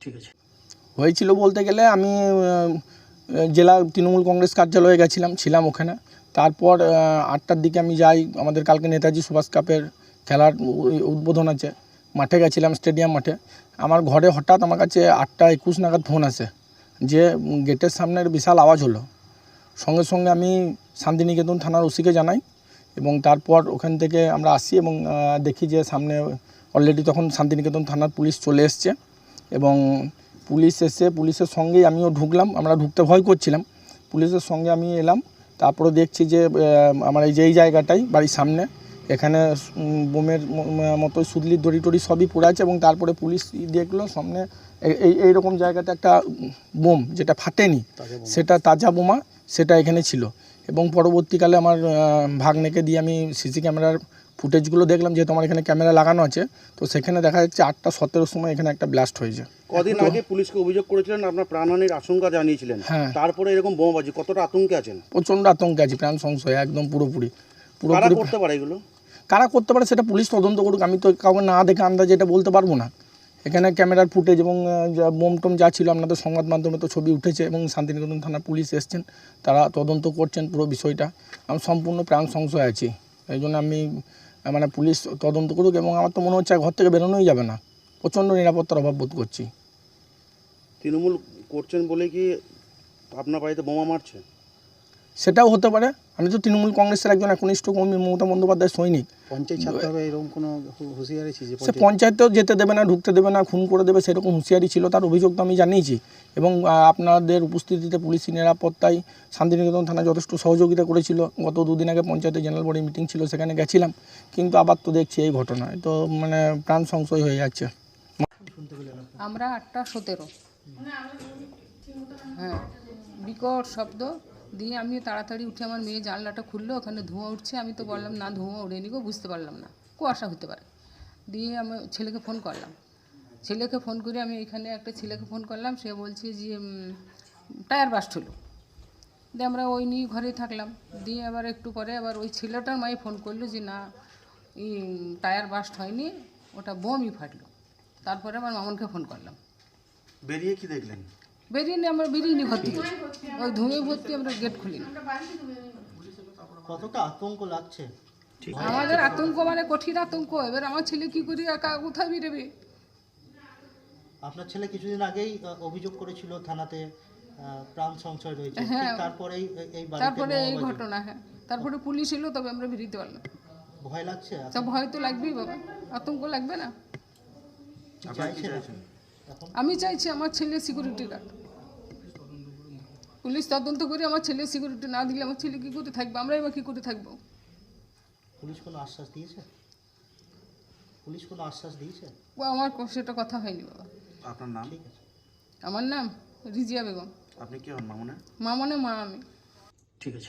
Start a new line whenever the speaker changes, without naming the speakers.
ঠিক আছে।
হয়েছিল বলতে গেলে আমি জেলা তৃণমূল কংগ্রেস কার্যালয়ে ছিলাম ওখানে। তারপর 8টার দিকে আমি যাই, আমাদের কালকে নেতাজি সুভাষ কাপের খেলার উদ্বোধন আছে, মাঠে গেছিলাম, স্টেডিয়াম মাঠে। আমার ঘরে হঠাৎ আমার কাছে 8টা 21 নাগাদ ফোন আসে যে গেটের সামনের বিশাল আওয়াজ হলো। সঙ্গে সঙ্গে আমি শান্তিনিকেতন থানার ওসিকে জানাই এবং তারপর ওখান থেকে আমরা আসি এবং দেখি যে সামনে অলরেডি তখন শান্তিনিকেতন থানার পুলিশ চলে এসছে এবং পুলিশ এসে পুলিশের সঙ্গেই আমিও ঢুকলাম। আমরা ঢুকতে ভয় করছিলাম, পুলিশের সঙ্গে আমি এলাম। তারপরে দেখছি যে আমার এই জায়গাটাই বাড়ির সামনে, এখানে বোমের মতো সুদলির দড়ি টড়ি সবই পড়ে আছে এবং তারপরে পুলিশ দেখলো সামনে এইরকম জায়গাতে একটা বোম, যেটা ফাটেনি, সেটা তাজা বোমা, সেটা এখানে ছিল। এবং পরবর্তীকালে আমার ভাগ্নেকে দিয়ে আমি সিসি ক্যামেরার ফুটেজগুলো দেখলাম, যেহেতু আমার এখানে ক্যামেরা লাগানো আছে, তো সেখানে দেখা যাচ্ছে 8টা 17 সময় এখানে একটা ব্লাস্ট হয়েছে।
কদিন আগে পুলিশকে অভিযোগ করেছিলেন, আপনার প্রাণহানির আশঙ্কা জানিয়েছিলেন।
হ্যাঁ,
তারপরে এরকম বোমাবাজি, কতটা আতঙ্কে আছেন?
প্রচণ্ড আতঙ্কে আছি, প্রাণ সংশয় একদম পুরোপুরি।
কারা করতে পারে এগুলো?
কারা করতে পারে সেটা পুলিশ তদন্ত করুক, আমি তো কাউকে না দেখে আন্দাজে এটা বলতে পারবো না। এখানে ক্যামেরার ফুটেজ এবং বোম টোম যা ছিল, আপনাদের সংবাদ মাধ্যমে তো ছবি উঠেছে এবং শান্তিনিকেতন থানার পুলিশ এসছেন, তারা তদন্ত করছেন পুরো বিষয়টা। আমি সম্পূর্ণ প্রাণ সংশয় আছি, এই জন্য আমি মানে পুলিশ তদন্ত করুক এবং আমার তো মনে হচ্ছে ঘর থেকে বেরোনোই যাবে না, প্রচণ্ড নিরাপত্তার অভাব বোধ করছি।
তৃণমূল করছেন বলে কি আপনার বাড়িতে বোমা মারছে?
সেটাও হতে পারে, আমি তো তৃণমূল কংগ্রেসের একজন একনিষ্ঠ কর্মী, মমতা বন্দ্যোপাধ্যায়ের সৈনিক।
পঞ্চায়েত ছাড়তে হবে এরকম কোনো হুঁশিয়ারি ছিল?
সে পঞ্চায়েতেও যেতে দেবে না, ঢুকতে দেবে না, খুন করে দেবে, সেরকম হুঁশিয়ারি ছিল, তার অভিযোগ তো আমি জানিয়েছি। এবং আপনাদের উপস্থিতিতে পুলিশি নিরাপত্তায় শান্তিনিকেতন থানা যথেষ্ট সহযোগিতা করেছিল। গত 2 দিন আগে পঞ্চায়েতে জেনারেল বডি মিটিং ছিল, সেখানে গেছিলাম, কিন্তু আবার তো দেখছি এই ঘটনায়, তো মানে প্রাণ সংশয় হয়ে যাচ্ছে।
আমরা 8টা 17, হ্যাঁ, বিকট শব্দ দিয়ে আমি তাড়াতাড়ি উঠে আমার মেয়ে জানলাটা খুললো, ওখানে ধোঁয়া উঠছে। আমি তো বললাম না, ধোঁয়া উড়েনি গো, বুঝতে পারলাম না, কুয়াশা হতে পারে। দিয়ে আমি ছেলেকে ফোন করলাম, ছেলেকে ফোন করে আমি এখানে একটা ছেলেকে ফোন করলাম, সে বলছে যে টায়ার বাস্ট হলো। দিয়ে আমরা ওই নিয়ে ঘরেই থাকলাম। দিয়ে আবার একটু পরে আবার ওই ছেলেটার মাই ফোন করলো যে না, এই টায়ার বাস্ট হয়নি, ওটা বোমই ফাটলো। তারপরে আমার মামনকে ফোন করলাম।
বেরিয়ে কি দেখলেন?
আমরা বেরিয়ে ঘর থেকে, ওই ধুয়ে ভর্তি, আমরা গেট খুলিনি।
কতটা আতঙ্ক লাগছে?
আমাদের আতঙ্ক মানে কঠিন আতঙ্ক। এবার আমার ছেলে কি করে একা কোথায় বেরোবে?
আপনার ছেলে কিছুদিন আগেই অভিযোগ করেছিল থানাতে প্রাণ সংশয় রয়েছে,
হ্যাঁ,
তারপরে
এই ঘটনা। হ্যাঁ, তারপরে পুলিশ এলো, তবে আমরা বেরিয়ে পারলাম।
ভয় লাগছে?
সব ভয় তো লাগবেই বাবা, আতঙ্ক লাগবে না? আমি চাইছি আমার ছেলে সিকিউরিটি গার্ড, পুলিশ তদন্ত করে আমার ছেলে সিকিউরিটি না দিলে আমার ছেলে কী করে থাকবে, আমরাই বা কী করে থাকবো?
পুলিশ কোনো আশ্বাস দিয়েছে?
ও আমার সেটা কথা হয়নি বাবা।
আপনার নাম?
ঠিক আছে।
আমার নাম রিজিয়া বেগম।
আপনি কি হন মামুনের?
মামনে মা আমি।
ঠিক আছে।